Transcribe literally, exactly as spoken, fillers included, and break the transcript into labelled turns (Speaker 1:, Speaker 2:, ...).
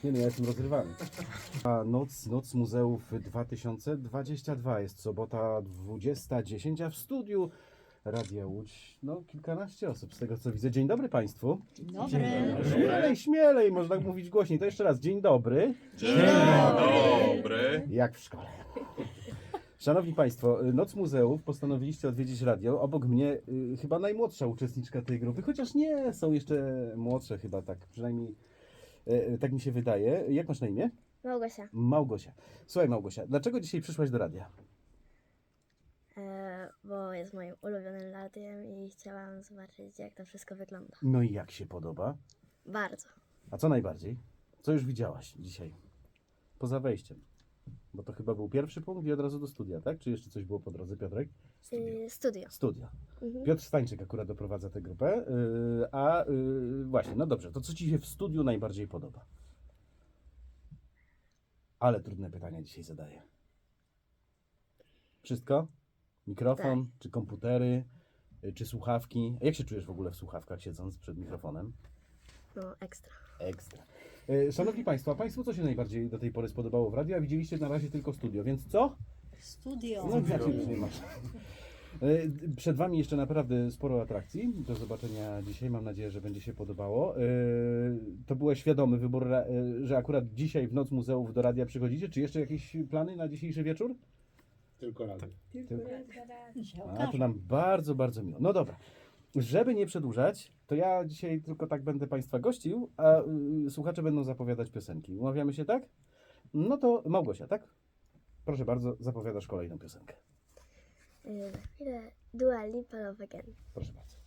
Speaker 1: Nie no, ja jestem rozrywany. A noc, noc Muzeów dwa tysiące dwadzieścia dwa jest sobota dwudziesta dziesięć, a w studiu Radia Łódź, no kilkanaście osób z tego co widzę. Dzień dobry Państwu.
Speaker 2: Dobry.
Speaker 1: Śmielej, śmielej, można mówić głośniej. To jeszcze raz, dzień dobry.
Speaker 2: Dzień
Speaker 3: Dobry.
Speaker 1: Jak w szkole. Szanowni Państwo, Noc Muzeów postanowiliście odwiedzić radio. Obok mnie y, chyba najmłodsza uczestniczka tej grupy, chociaż nie, są jeszcze młodsze chyba tak, przynajmniej y, tak mi się wydaje. Jak masz na imię?
Speaker 4: Małgosia,
Speaker 1: Małgosia. Słuchaj Małgosia, dlaczego dzisiaj przyszłaś do radia?
Speaker 4: e, bo jest moim ulubionym radiem i chciałam zobaczyć, jak to wszystko wygląda.
Speaker 1: No i jak się podoba?
Speaker 4: Bardzo.
Speaker 1: A co najbardziej? Co już widziałaś dzisiaj? Poza wejściem. Bo to chyba był pierwszy punkt i od razu do studia, tak? Czy jeszcze coś było po drodze, Piotrek?
Speaker 4: Y, studio.
Speaker 1: Studia.
Speaker 4: Mhm.
Speaker 1: Piotr Stańczyk akurat doprowadza tę grupę. Yy, a yy, właśnie, no dobrze, to co Ci się w studiu najbardziej podoba? Ale trudne pytania dzisiaj zadaję. Wszystko? Mikrofon, czy komputery, yy, czy słuchawki? A jak się czujesz w ogóle w słuchawkach, siedząc przed mikrofonem?
Speaker 4: No, ekstra.
Speaker 1: Ekstra. Yy, Szanowni Państwo, a Państwu co się najbardziej do tej pory spodobało w radiu? A widzieliście na razie tylko studio, więc co?
Speaker 2: Studio.
Speaker 1: No znaczy, nie masz. E, Przed Wami jeszcze naprawdę sporo atrakcji. Do zobaczenia dzisiaj. Mam nadzieję, że będzie się podobało. E, To był świadomy wybór, ra- e, że akurat dzisiaj w Noc Muzeów do radia przychodzicie. Czy jeszcze jakieś plany na dzisiejszy wieczór?
Speaker 3: Tylko radio.
Speaker 1: A, to nam bardzo, bardzo miło. No dobra. Żeby nie przedłużać, to ja dzisiaj tylko tak będę Państwa gościł, a y, słuchacze będą zapowiadać piosenki. Umawiamy się tak? No to Małgosia, tak? Proszę bardzo, zapowiadasz kolejną piosenkę.
Speaker 4: Y, za chwilę Dua Lipa Love Again.
Speaker 1: Proszę bardzo.